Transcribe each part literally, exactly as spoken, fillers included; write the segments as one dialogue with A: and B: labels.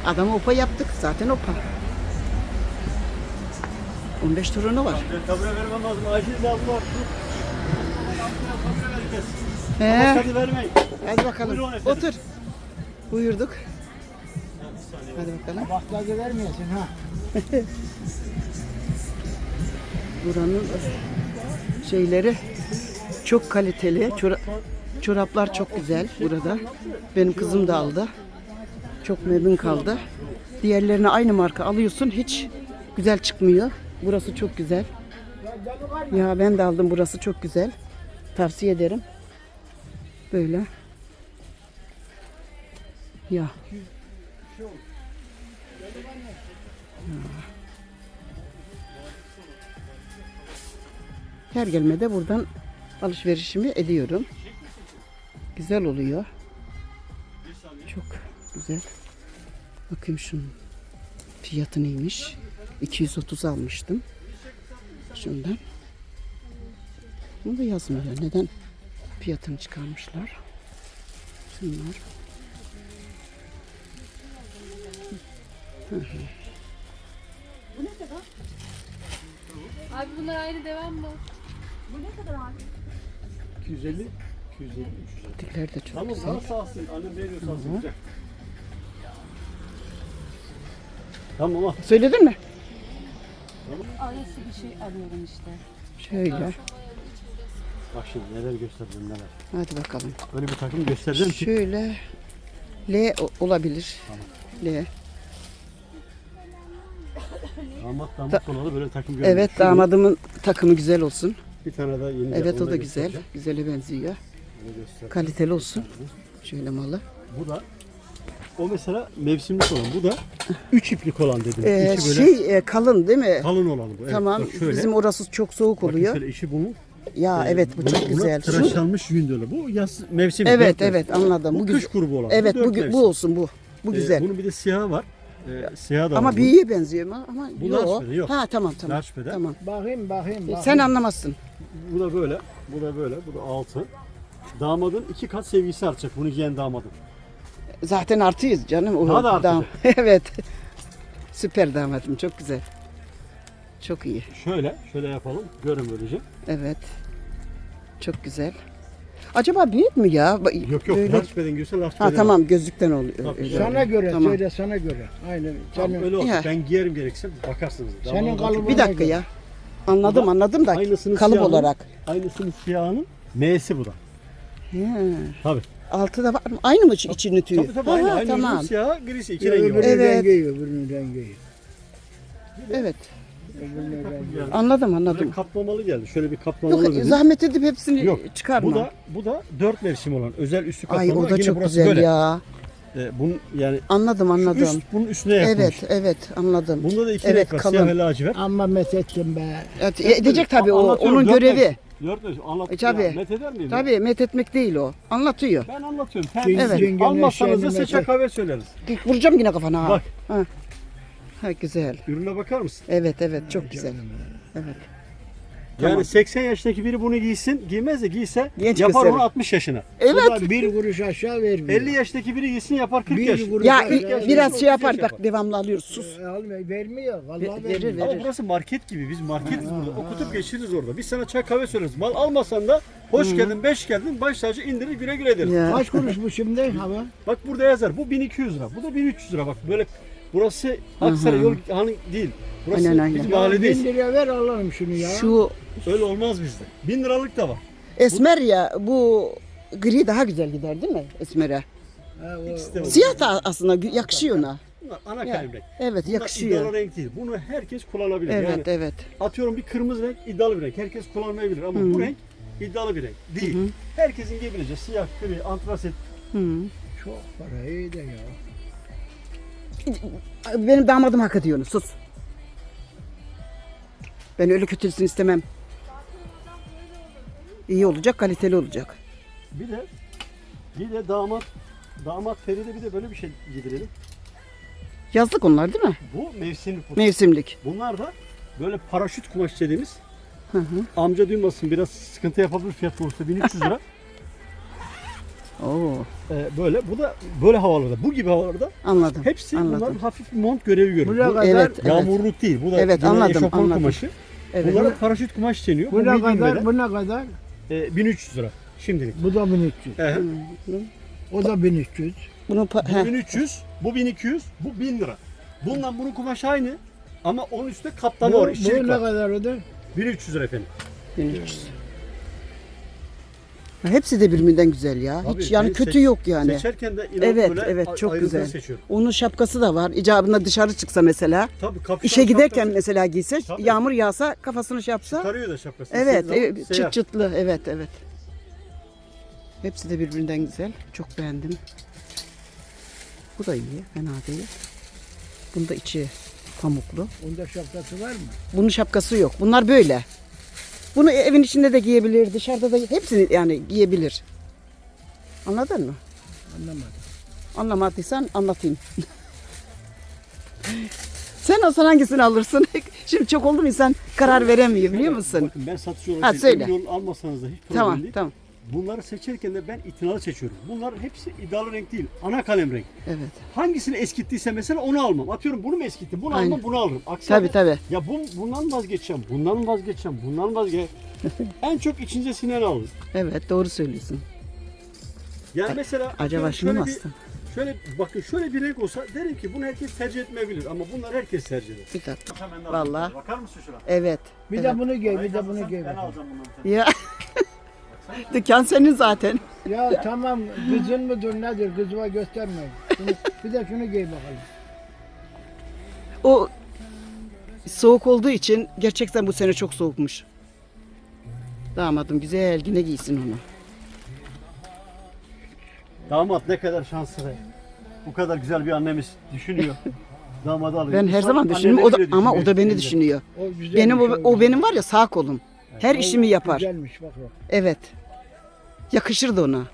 A: Adamı opa yaptık. Zaten opa. on beş torunu var.
B: Ben kabule vermem lazım. Acil de Allah.
A: He.
B: Hadi vermeyin.
A: Hadi bakalım.
B: Buyurun efendim.
A: Otur. Buyurduk. Hadi bakalım.
C: Baklagı vermiyorsun ha.
A: Buranın şeyleri çok kaliteli. Çora- çoraplar çok güzel burada. Benim kızım da aldı. Çok memnun kaldı. Diğerlerine aynı marka alıyorsun. Hiç güzel çıkmıyor. Burası çok güzel. Ya ben de aldım. Burası çok güzel. Tavsiye ederim. Böyle. Ya. Her gelmede buradan alışverişimi ediyorum. Güzel oluyor. Çok güzel. Bakayım şunun fiyatı neymiş. iki yüz otuz almıştım. Şundan. Bunu da yazmıyor. Neden fiyatını çıkarmışlar? Şunlar. Hı hı.
D: Abi bunlar aynı devam mı?
B: iki yüz elli, iki yüz elli, üç yüz elli.
A: Dikler de çok
B: Tamam,
A: güzel.
B: daha sağ olsun. Annem veriyor sağ olsun. Güzel. Tamam ama.
A: Söyledin mi?
D: Arası bir şey arıyorum işte.
A: Şöyle.
B: Bak şimdi neler gösterdim neler.
A: Hadi bakalım.
B: Öyle bir takım gösterdim ki.
A: Şöyle L o- olabilir. L.
B: Damat damat kolalı böyle takım görüyorum.
A: Evet,
B: Şu
A: damadımın takımı güzel olsun.
B: Bir tane daha yeni.
A: Evet,
B: onu
A: o da güzel.
B: göstereceğim.
A: Güzele benziyor.
B: Onu göstereceğim.
A: Kaliteli olsun. Şöyle malı.
B: Bu da o mesela mevsimlik olan. Bu da üç iplik olan dedim.
A: Ee,
B: içi böyle
A: şey e, kalın değil mi?
B: kalın olan bu. Evet,
A: Tamam.
B: bak şöyle.
A: Bizim orası çok soğuk
B: Bakın
A: oluyor.
B: şöyle içi bunun.
A: Ya
B: e,
A: evet, bu
B: buna-
A: çok
B: buna
A: güzel. Şu-
B: tıraşlanmış yün diyorlar. Bu yaz mevsim.
A: Evet,
B: dört mevsim.
A: evet, anladım.
B: Bu,
A: Bu
B: kış
A: güzel.
B: grubu olan.
A: Evet,
B: dört
A: bu,
B: mevsim.
A: bu olsun bu. Bu
B: Ee,
A: güzel.
B: bunun bir de siyahı var. Ee, siyahı da var
A: Ama
B: bunun.
A: büyüye benziyor mu? Ama
B: Bu
A: yok.
B: large beden, yok.
A: Ha tamam tamam.
B: Large beden.
A: Tamam.
C: Bakayım bakayım. bakayım.
A: Sen anlamazsın.
B: Bu da böyle. Bu da böyle. Bu da altı. Damadın iki kat sevgisi artacak. Bunu giyen damadın.
A: Zaten artıyız canım. O
B: Daha da artacak.
A: dam- evet. Süper damadım. Çok güzel. Çok iyi.
B: Şöyle. Şöyle yapalım. Görün böylece.
A: Evet. Çok güzel. Acaba büyük mü ya? Ba-
B: Yok yok.
A: böyle-
B: Large beden görsen large
A: Ha
B: beden
A: tamam, gözlükten oluyor.
B: Tabii.
A: öyle
C: Sana
A: oluyor.
C: göre
A: Tamam.
C: söyle sana göre. Aynen.
B: Tamam,
C: Senin,
B: öyle olsun.
A: Ya.
B: Ben giyerim gerekirse bakarsınız.
C: Senin
B: Damadın-
C: kalıbın-
A: Bir dakika ya. Anladım
B: Bu da
A: anladım da
B: aynısının
A: kalıp
B: siyahının-
A: olarak.
B: Aynısının siyahının M'si bu da.
A: He.
B: Tabii.
A: Altı da var mı? Aynı mı içi- içinin tüyü?
B: Tabii tabii.
A: Ha,
B: Aynı. Aynı
A: tamam.
B: ürünün siyahı grisi. iki
C: Ya,
B: rengi var.
C: öbürünün
A: Evet.
C: rengi, öbürünün rengi.
A: Evet.
C: Öbürünün rengi.
B: Yani
A: Anladım
B: böyle
A: anladım.
B: kaplamalı geldi. Şöyle bir kaplamalı
A: Yok,
B: dedim.
A: zahmet edip hepsini
B: Yok.
A: çıkarma.
B: Bu da bu da dört mevsim olan özel üstü kaplama.
A: Ay o da
B: Yine
A: çok
B: burası
A: güzel
B: böyle.
A: ya.
B: Ee, bunun yani
A: Anladım
B: şu
A: anladım.
B: üst bunun üstüne yapılmış.
A: Evet evet anladım.
B: Bunda da iki
A: Evet,
B: renk var.
A: kalın.
B: Siyah ve lacivert.
C: Amma methettim be.
A: Evet, edecek tabii o
B: Anlatıyorum,
A: onun
B: dört
A: görevi.
B: mevsim. Dört mevsim. Anlat.
A: E, tabii.
B: Ya, met eder miyim?
A: Tabii met etmek değil o. Anlatıyor.
B: Ben anlatıyorum. Sen
C: Evet.
B: evet. almazsanız da
C: Cengen
B: seçe
C: eşeğini
B: kahve söyleriz.
A: Vuracağım yine kafana ha.
B: Bak.
A: Ha. Ha güzel.
B: Ürüne bakar mısın?
A: Evet evet çok güzel. Evet.
B: Yani
A: Tamam.
B: seksen yaşındaki biri bunu giysin, giymez de giyse
A: Genç
B: yapar
A: gösterir.
B: onu altmış yaşına.
A: Evet.
C: Bu da bir kuruş aşağı vermiyor.
B: elli yaşındaki biri giysin yapar kırk
C: Bir
B: yaş.
C: kuruş
A: Ya
C: aşağı
A: i-
C: vermiyor.
A: biraz
B: otuz
A: şey yapar
B: yaş
A: bak
B: yapar.
A: devamlı alıyoruz sus.
C: Ee, almıyor, vermiyor. Vallahi
A: Ver-
C: vermiyor.
A: verir,
B: Ama
A: verir.
B: burası market gibi. Biz marketiz burada. Okutup geçiririz orada. Biz sana çay kahve söyleriz. Mal almasan da hoş geldin, beş geldin. Baş tacı indirir güle güle deriz.
A: Ya.
C: Kaç kuruş bu şimdi hava?
B: Bak burada yazar. Bu bin iki yüz lira. Bu da bin üç yüz lira. Bak böyle burası Aksaray yol hani değil. Burası
A: Aynen, aynen.
B: biz
C: Bin
B: mahalledeyiz.
C: liraya ver alalım şunu ya.
A: Şu
B: Öyle olmaz bizde. Bin liralık da var.
A: esmer ya bu gri daha güzel gider değil mi esmere?
C: Ha, o-
B: İkisi de var.
A: Siyah da aslında gü- yakışıyor ona.
B: Bunlar ana
A: Ya,
B: kalem renk.
A: Evet
B: Bunlar iddialı
A: yakışıyor.
B: renk değil. Bunu herkes kullanabilir.
A: Evet
B: Yani
A: evet.
B: atıyorum bir kırmızı renk iddialı bir renk. Herkes kullanmayabilir ama bu renk iddialı bir renk değil. Herkesin giyebileceği siyah, gri, antrasit.
A: Hı.
C: Çok para iyi de ya.
A: Benim damadım hak ediyor onu, sus. Ben öyle kötülsün istemem. İyi olacak, kaliteli olacak.
B: Bir de bir de damat damat Feride bir de böyle bir şey giydirelim.
A: Yazlık onlar değil mi?
B: Bu mevsimlik. bu.
A: Mevsimlik.
B: Bunlar da böyle paraşüt kumaş dediğimiz.
A: Hı hı.
B: Amca duymasın biraz sıkıntı yapabilir fiyat konusunda bin üç yüz lira.
A: Oo,
B: Ee, böyle. Bu da böyle havalarda. Bu gibi havalarda
A: anladım.
B: hepsi bunlar
A: anladım.
B: hafif bir mont görevi görüyor.
C: Buraya
B: Bu
C: kadar
A: Evet, evet.
B: yağmurluk değil. Bu da
A: Evet,
B: yine
A: anladım,
B: eşofman
A: anladım.
B: kumaşı.
A: Evet.
B: Bunlara paraşüt kumaş deniyor. Bu
C: Bu ne
B: medium
C: kadar?
B: beden.
C: Bu ne kadar?
B: Ee, bin üç yüz lira şimdilik.
C: Bu da bin üç yüz.
B: Ee,
C: O da bin üç yüz.
A: Bunu pa-
B: bu
A: heh,
B: bin üç yüz, bu bin iki yüz, bu bin lira. Bundan bunun kumaşı aynı ama onun üstünde kaplama
C: Bu,
B: var,
C: bu
B: işçilik
C: ne
B: var.
C: kadar o da?
B: bin üç yüz lira efendim.
A: bin üç yüz. Hepsi de birbirinden güzel ya.
B: Tabii,
A: Hiç yani
B: ben
A: kötü
B: seç-
A: yok yani.
B: Seçerken de inan
A: Evet,
B: böyle
A: evet,
B: a-
A: çok
B: ayrıntılı
A: güzel.
B: seçiyorum.
A: Onun şapkası da var. İcabında dışarı çıksa mesela,
B: Tabii kapşon
A: işe giderken
B: şapkası
A: mesela giyse,
B: Tabii.
A: yağmur yağsa kafasını şey yapsa.
B: çıkarıyor da şapkasını.
A: Evet,
B: İstediği zaman
A: e,
B: seyahat.
A: çıt çıtlı. Evet, evet. Hepsi de birbirinden güzel. Çok beğendim. Bu da iyi, fena değil. Bunda da içi pamuklu.
C: Onda şapkası var mı?
A: Bunun şapkası yok. Bunlar böyle. Bunu evin içinde de giyebilir, dışarıda da hepsini yani giyebilir. Anladın mı?
C: Anlamadım.
A: Anlamadıysan anlatayım. Sen olsan hangisini alırsın? Şimdi çok oldu mu insan karar veremiyor biliyor musun?
B: Bakın ben satıcı olarak
A: Ha,
B: değil,
A: söyle.
B: emin olun, almasanız da hiç problem
A: Tamam,
B: değil.
A: tamam.
B: Bunları seçerken de ben itinalı seçiyorum. Bunlar hepsi iddialı renk değil. Ana kalem renk.
A: Evet.
B: Hangisini eskittiyse mesela onu almam. Atıyorum bunu mu eskittim? Bunu
A: Aynen.
B: almam, bunu alırım. Aksi
A: Tabii,
B: halde,
A: tabii.
B: Ya bu, bundan vazgeçeceğim, bundan vazgeçeceğim, bundan vazgeçeceğim. En çok içinize sinen alın.
A: Evet, doğru söylüyorsun.
B: Yani mesela
A: Acaba
B: atıyorum
A: şunu mu
B: şöyle bir,
A: alsam?
B: şöyle bakın şöyle bir renk olsa derim ki bunu herkes tercih etmeyebilir ama bunlar herkes tercih eder.
A: Bir dakika.
B: Hemen
A: Vallahi.
B: Bakar mısın şuna?
A: Evet.
C: Bir
A: evet.
C: de bunu giy, bir
B: Parayı
C: de bunu
B: kazansan
C: giy.
B: Ben
C: bakalım.
B: alacağım bundan.
A: Ya. Dükkan senin zaten.
C: Ya tamam, kızın mıdır nedir? Kızıma gösterme. Şunu, bir de şunu giy bakalım.
A: O soğuk olduğu için gerçekten bu sene çok soğukmuş. Damadım güzel yine giysin onu.
B: Damat ne kadar şanslı be. Bu kadar güzel bir annemiz düşünüyor. Damadı alıyor.
A: Ben her
B: İnsan
A: zaman düşünüyorum o da,
B: anneleri bile
A: ama o da
B: düşünüyor
A: beni
B: şimdi.
A: düşünüyor.
C: O güzelmiş,
A: Benim o, o
C: güzel.
A: benim var ya sağ kolum. Her
C: O
A: işimi yapar.
C: Güzelmiş bak bak.
A: Evet. Yakışırdı ona.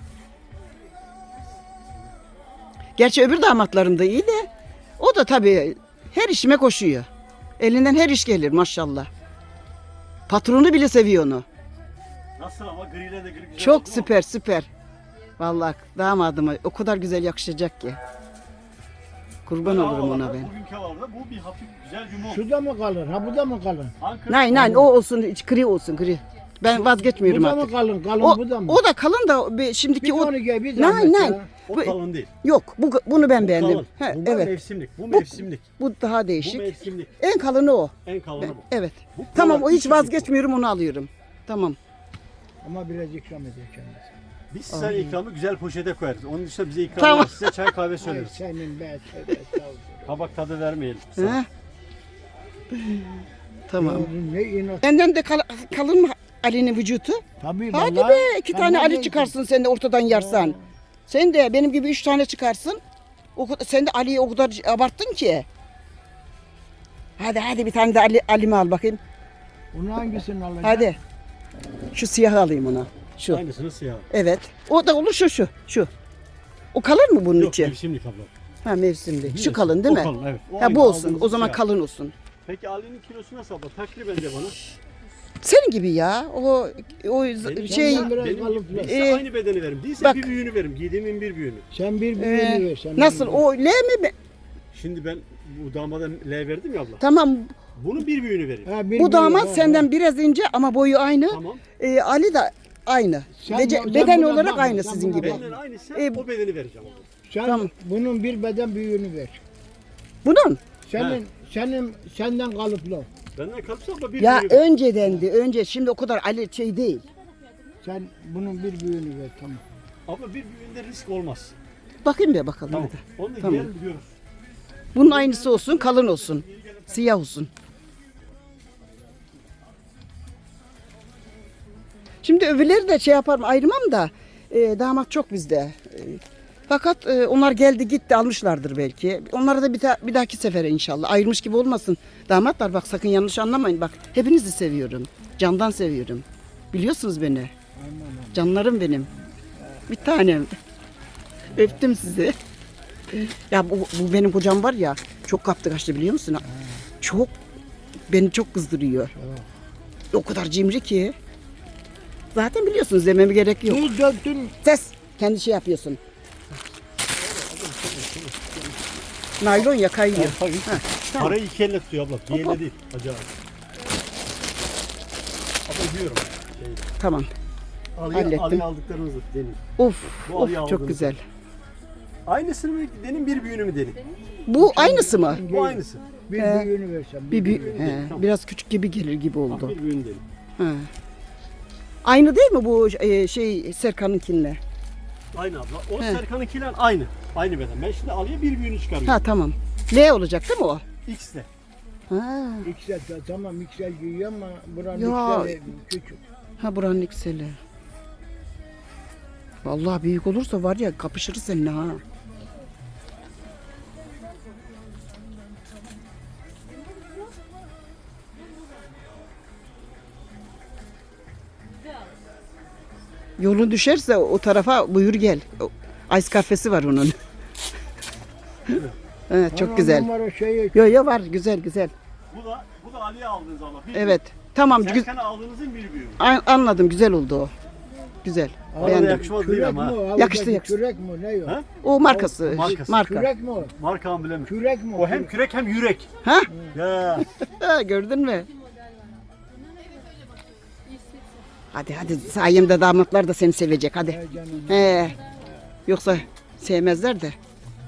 A: Gerçi öbür damatlarım da iyi de o da tabii her işime koşuyor. Elinden her iş gelir maşallah. Patronu bile seviyor onu.
B: Nasıl ama griyle de gri güzel
A: Çok
B: oldu mu?
A: süper süper. Vallahi damadıma o kadar güzel yakışacak ki. Kurban
B: Bu
A: olurum ona
B: havalarda,
A: ben.
B: Bugünkü havalarda bu bir hafif güzel bir mont.
C: Şu da mı kalın? Ha bu da mı kalın?
B: Ankara
A: Nein nein o olsun hiç gri olsun gri. Ben vazgeçmiyorum
C: Bu da mı
A: artık.
C: kalın? Kalın
A: O,
C: bu da mı?
A: o da kalın da be-
C: bir
A: şimdiki
C: de
A: o
C: onu giy, bir
A: Nein,
C: zahmet
A: nein.
C: ya.
B: o
A: bu-
B: kalın değil.
A: yok bu bunu ben
B: Bu
A: beğendim.
B: kalın.
A: He,
B: Bunlar
A: evet.
B: mevsimlik. Bu
A: Bu-
B: mevsimlik.
A: Bu daha
B: Bu
A: değişik.
B: mevsimlik.
A: En kalını o.
B: En kalını
A: Ben-
B: bu.
A: evet.
B: Bu
A: Tamam
B: kolay,
A: o hiç
B: küçük
A: vazgeçmiyorum onu alıyorum. Tamam.
C: Ama biraz ikram ediyor kendisi.
B: Biz size ikramı güzel poşete koyarız. Onun dışında bize ikram
A: Tamam.
B: var. Size çay kahve
C: Ay
B: söyleriz.
C: senin be tövbe estağfurullah.
B: Kabak tadı vermeyelim.
A: He? Tamam.
C: Ya Ne inat.
A: Senden de kal- kalın mı Ali'nin vücudu?
C: Tabii
A: Hadi
C: vallahi.
A: be iki
C: Ben
A: tane Ali
C: neredeyim?
A: çıkarsın sen de ortadan yarsan. Sen de benim gibi üç tane çıkarsın. O, kadar- sen de Ali'yi o kadar abarttın ki. Hadi hadi bir tane de Ali, Ali'mi al bakayım.
C: Bunu hangisini alacağım?
A: Hadi. Şu siyahı alayım ona. Şu.
B: Aynısını siyah.
A: Evet. O da olur şu şu. Şu. O kalır mı bunun
B: Yok
A: içi?
B: mevsimlik abla.
A: Ha mevsimli. Şu
B: Biliyorsun,
A: kalın değil
B: o
A: mi?
B: kalın, evet. O
A: Ha
B: aynı
A: bu olsun.
B: aldığımız
A: O zaman
B: siyah.
A: kalın olsun.
B: Peki Ali'nin kilosu nasıl abla? Takriben de bana.
A: Senin gibi ya. O o
B: Benim-
A: şey
C: Senden biraz
B: Benim
C: kalıplı.
B: değilse
A: Ee,
B: aynı bedeni veririm. Değilse
A: bak-
B: bir büyüğünü veririm. Giydiğimin bir büyüğünü.
C: Sen bir
A: e,
C: büyüğünü ver. Sen
A: nasıl
C: bir-
A: o L mi? be-
B: Şimdi ben bu damada L verdim ya abla.
A: Tamam.
B: Bunun bir büyüğünü veririm.
C: Ha, bir
A: Bu damat
C: büyüğü, ha,
A: senden biraz ince ama boyu aynı.
B: Tamam.
A: Ee, Ali de aynı.
C: Sen-
A: Bece-
C: sen
A: beden
C: buna
A: olarak
C: bakma,
A: aynı
C: sen
A: sizin
C: buna
A: gibi.
C: bakma.
B: Benden aynıysa
A: Ee,
B: o bedeni vereceğim abla.
C: Sen
A: Tamam.
C: bunun bir beden büyüğünü ver.
A: Bunun
C: Senin senin senden kalıplı.
B: Benden kalırsa abla bir
A: ya
B: büyüğünü ver.
A: öncedendi. Önce şimdi o kadar Ali şey değil.
C: Sen bunun bir büyüğünü ver tamam.
B: Abla bir büyüğünde risk olmaz.
A: Bakayım bir bakalım
B: Tamam.
A: hadi.
B: Onu da
A: Tamam.
B: giyelim biliyoruz.
A: Bunun aynısı olsun, kalın olsun. Siyah olsun. Şimdi öbürleri de şey yaparım ayırmam da e, damat çok bizde. E, fakat e, onlar geldi gitti almışlardır belki. Onlara da bir, ta- bir dahaki sefere inşallah. Ayırmış gibi olmasın. Damatlar bak sakın yanlış anlamayın. Bak hepinizi seviyorum. Candan seviyorum. Biliyorsunuz beni. Canlarım benim. Bir tanem. Öptüm sizi. Ya bu, bu benim kocam var ya çok kaptı kaçtı biliyor musun? Çok beni çok kızdırıyor. O kadar cimri ki. Zaten biliyorsunuz dememe gerek yok.
C: Tuz döktün.
A: Ses. Kendi şey yapıyorsun. Naylon ya kayıyor.
B: Tabii.
A: tamam.
B: Parayı iki elle tutuyor abla. Bir elle değil. Hacı abi. Abla diyorum. Şey,
A: Tamam.
B: alıya,
A: Hallettim.
B: alıya aldıklarınızı denin.
A: Of,
B: Bu
A: of
B: alıyı
A: çok
B: aldınız.
A: güzel.
B: Aynısını mı denin bir büyüğünü mü denin?
A: Bu aynısı mı?
B: Bu aynısı.
C: Bir
A: He.
C: büyüğünü versem.
A: Bir, bir
C: büyüğünü.
A: he,
B: tamam.
A: biraz küçük gibi gelir gibi
B: Bak,
A: oldu.
B: bir büyüğünü denin.
A: He. Aynı değil mi bu e, şey Serkan'ınkinle?
B: Aynı abla. O
A: He.
B: Serkan'ınkiler aynı. Aynı beden. Ben şimdi alıya bir büyüğünü çıkarıyorum.
A: Ha tamam. L olacak değil mi o?
B: X'le.
A: Ha,
C: X L tamam X L giyiyor ama buranın
A: Ya.
C: X L küçük.
A: ha buranın ikseli. Vallahi büyük olursa var ya kapışırız seninle ha. Yolun düşerse o tarafa buyur gel. O- Ice kafesi var onun. Evet, çok
C: Ama
A: güzel.
C: Numara şeyi
A: Yo yo var güzel güzel.
B: Bu da bu da Ali'ye aldığınız ama. Bir
A: Evet. Tamam gü-
B: Serkan'a aldığınızın bir büyüğü.
A: an- anladım güzel oldu o. Güzel.
B: Bana da
A: Beğendim.
B: yakışmaz değil
C: kürek
B: ama.
C: mi
B: ha.
C: o? Avucaki
A: Yakıştı, yakıştı.
C: Kürek mi o? Ne o?
B: Ha?
A: O markası.
B: Markası.
A: Marka.
C: Kürek mi o?
B: Marka amblemi.
C: Kürek mi o?
B: O hem kürek hem yürek.
A: Ha?
B: Ya.
A: Ha, gördün mü? Hadi hadi sayemde damatlar da seni sevecek hadi.
C: He canım.
A: He. Yoksa sevmezler de.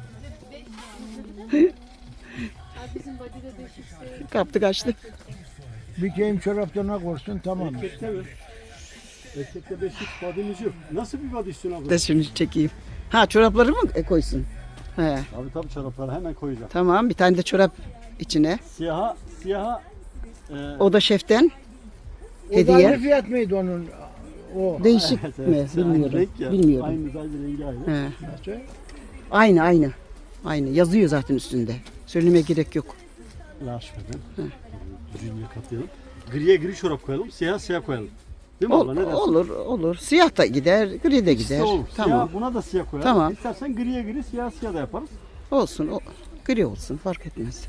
D: Bizim body'de değişikse.
A: Kaptı kaçtı.
C: Bir keyim çoraplarına korsun tamam.
B: Erkekte mi? Erkekte beşik badimiz yok. Nasıl bir body istiyorsun abla?
A: Da şunu çekeyim. Ha çorapları mı e, koysun? He.
B: Abi tabii çorapları hemen koyacağım.
A: Tamam bir tane de çorap içine.
B: Siyaha, siyaha e,
A: O da şeften.
C: O da
A: Hediye.
C: aynı fiyat mıydı onun? O.
A: Değişik
B: evet,
A: mi?
B: evet, aynı
A: Bilmiyorum.
B: renk ya.
A: Bilmiyorum.
B: Aynı sadece rengi aynı.
A: He.
C: Nasıl?
A: Aynı aynı. Aynı. Yazıyor zaten üstünde. Söylemeye gerek yok.
B: Laşmadan. Düzgünce katlayalım. Griye gri çorap koyalım, siyah siyah koyalım. Değil mi
A: Ol-
B: abla? Ne dersin?
A: olur olur. Siyah da gider, gri de
B: İkisi de
A: gider.
B: olur.
A: Tamam.
B: Siyah, buna da siyah koyalım.
A: Tamam.
B: İstersen griye gri, siyah siyah da yaparız.
A: Olsun. O, gri olsun fark etmez.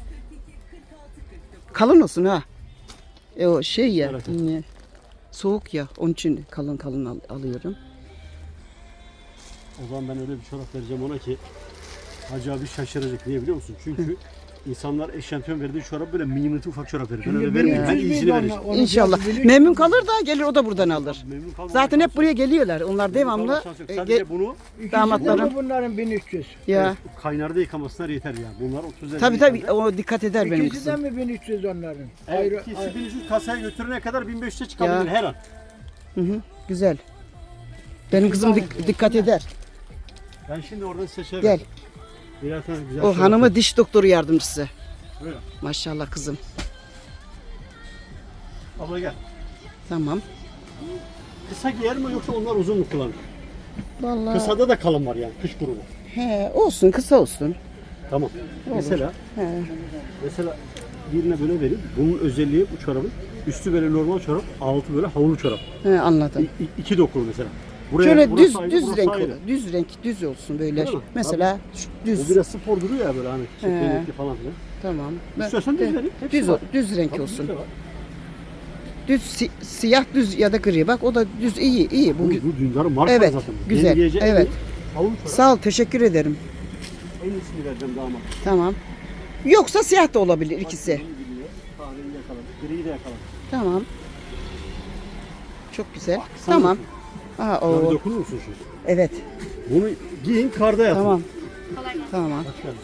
A: Kalın olsun ha. E o şey ya.
B: Evet.
A: ne, soğuk ya. Onun için kalın kalın al- alıyorum.
B: O zaman ben öyle bir çorap vereceğim ona ki Hacı abi şaşıracak. Niye biliyor musun? Çünkü insanlar eşantiyon verdiği çorap böyle mini ufak çorap verir. Ben öyle vermeyeyim. Ben iyisini vereceğim.
A: İnşallah. Memnun kalır da gelir o da buradan alır.
B: Memnun kalmam.
A: Zaten hep buraya geliyorlar. Onlar devamlı.
B: Şans yok.
A: e,
B: Sadece
A: ge-
B: bunu
A: damatların-
C: Bunların bin üç yüz.
A: ya.
B: kaynarda yıkamasınlar yeter yani. Bunlar otuz lira.
A: Tabii tabii o dikkat eder benim
C: İkisi de
A: kızım.
C: mi bin üç yüz onların?
B: Evet,
C: Ayrı,
B: ikisi
C: ayrı.
B: bin üç yüz kasaya götürene kadar bin beş yüze çıkabilir
A: Ya.
B: her an.
A: Hı hı, güzel. Benim kızım dik- dikkat eder.
B: Ben şimdi oradan seçerim.
A: Gel.
B: Birer tane güzel
A: O
B: çorap
A: hanımı diş doktoru yardımcısı.
B: Buyurun.
A: Maşallah kızım.
B: Abla gel.
A: Tamam.
B: Kısa giyer mi yoksa onlar uzun mu kullanır?
A: Vallahi.
B: Kısada da kalın var yani kış grubu.
A: He, olsun kısa olsun.
B: Tamam. Mesela
A: He.
B: mesela birine böyle vereyim. Bunun özelliği bu çorabın. Üstü böyle normal çorap, altı böyle havlu çorap.
A: He, anladım.
B: İ- i- iki dokulu mesela. Buraya,
A: Şöyle
B: burası
A: düz
B: ayrı,
A: düz
B: burası
A: renk
B: ayrı.
A: olur. Düz renk düz olsun böyle.
B: Değil mi?
A: Mesela şu
B: O
A: düz.
B: biraz spor duruyor ya böyle hani çeklenekli falan filan.
A: Tamam. Ben-
B: İstiyorsan düz
A: de-
B: vereyim. Hepsi
A: Düz
B: var.
A: o- düz renk
B: Tabii,
A: olsun.
B: düz de var.
A: Düz si- siyah düz ya da gri. Bak o da düz iyi iyi. Bu,
B: Bu,
A: gü-
B: bu dündarın marka
A: Evet,
B: zaten. bu.
A: güzel,
B: Yeni giyecek
A: evet.
B: bir havlu çorap.
A: Sağ ol teşekkür ederim.
B: En iyisini vereceğim damat.
A: Tamam. Yoksa siyah da olabilir ikisi.
B: Kahveyi yakaladım. Griyi de yakaladım.
A: Tamam. Çok güzel.
B: Sen
A: Tamam.
B: misin?
A: Aa,
B: Ya bir
A: o.
B: dokunur musun şimdi?
A: Evet.
B: Bunu giyin karda yatın.
A: Tamam. Tamam.
B: Hoş geldin.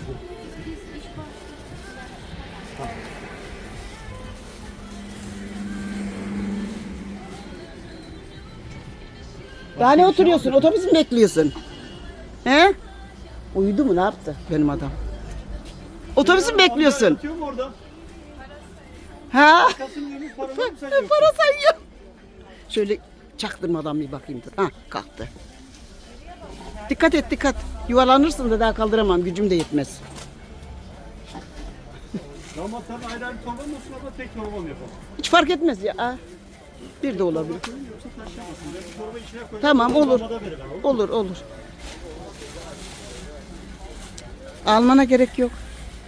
A: Daha ne oturuyorsun? Otobüs mü bekliyorsun? He? Uyudu mu? Ne yaptı benim adam? Otobüsü mü bekliyorsun?
B: Yatıyor mu orada?
A: Ha?
B: Kasım günü paranı mı sayıyorsun?
A: Para sayıyor. Şöyle çaktırmadan bir bakayım dur. Ha kalktı. Dikkat et dikkat. Yuvarlanırsın da daha kaldıramam. Gücüm de yetmez.
B: Damat sen ayrı ayrı torba mı olsun ama tek torba mı yapalım?
A: Hiç fark etmez ya. Aa, bir de olabilir.
B: Yoksa taşlamasın. Ben bir torba içine koyacağım.
A: Tamam,
B: Torba
A: olur.
B: damada verir ama.
A: Olur olur. Almana gerek yok.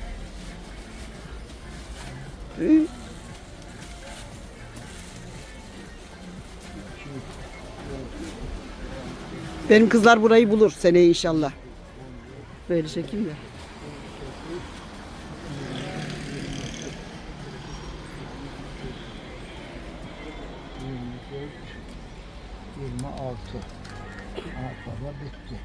A: Hı. Benim kızlar burayı bulur seneye inşallah. Böyle çekeyim de.
C: yirmi altı. Arpada bitti.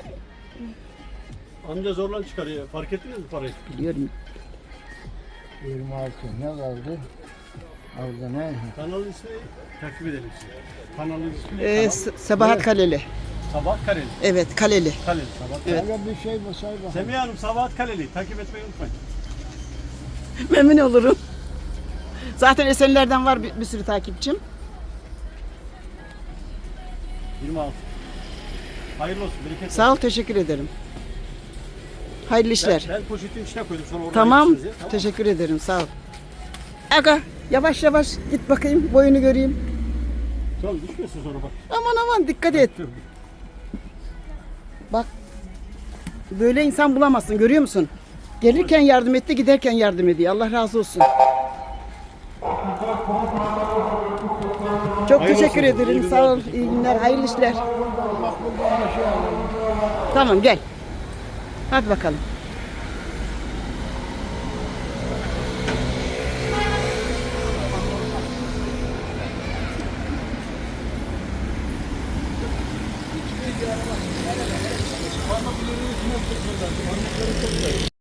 B: Amca zorlan çıkarıyor. Fark ettiniz mi parayı?
A: Biliyorum.
C: yirmi altı. Ne kaldı? Orada ne?
B: Kanalın ismi takip edelim size. Kanalın ismi
A: Ee,
B: kanal-
A: S- Sabahat Kaleli.
B: Sabahat Kaleli.
A: Evet, Kaleli.
B: Kaleli. Sabahat
A: Evet.
B: Kaleli.
C: Öyle bir şey mi say bakalım.
B: Semiha Hanım Sabahat Kaleli. Takip etmeyi unutmayın.
A: Memnun olurum. Zaten Esenler'den var bir, bir sürü takipçim.
B: yirmi altı. Hayırlı olsun. Bereket.
A: Sağ ol, teşekkür ederim. Hayırlı
B: Ben,
A: işler.
B: ben poşetin içine koydum. Sonra oradan
A: Tamam,
B: ayırırsınız ya, tamam.
A: teşekkür ederim. Sağ ol. Aga, yavaş yavaş git bakayım, boyunu göreyim.
B: Tamam düşmüyorsun sonra bak.
A: Aman aman dikkat et.
B: Dur.
A: Bak, böyle insan bulamazsın, görüyor musun? Gelirken yardım etti, giderken yardım ediyor. Allah razı olsun. Çok
B: Hayırlı
A: teşekkür
B: olsun. İyi
A: ederim.
B: günler,
A: Sağ ol.
B: teşekkür
A: İyi günler. Hayırlı işler.
C: Bak buradan bir şey alalım.
A: Tamam gel. Hadi bakalım.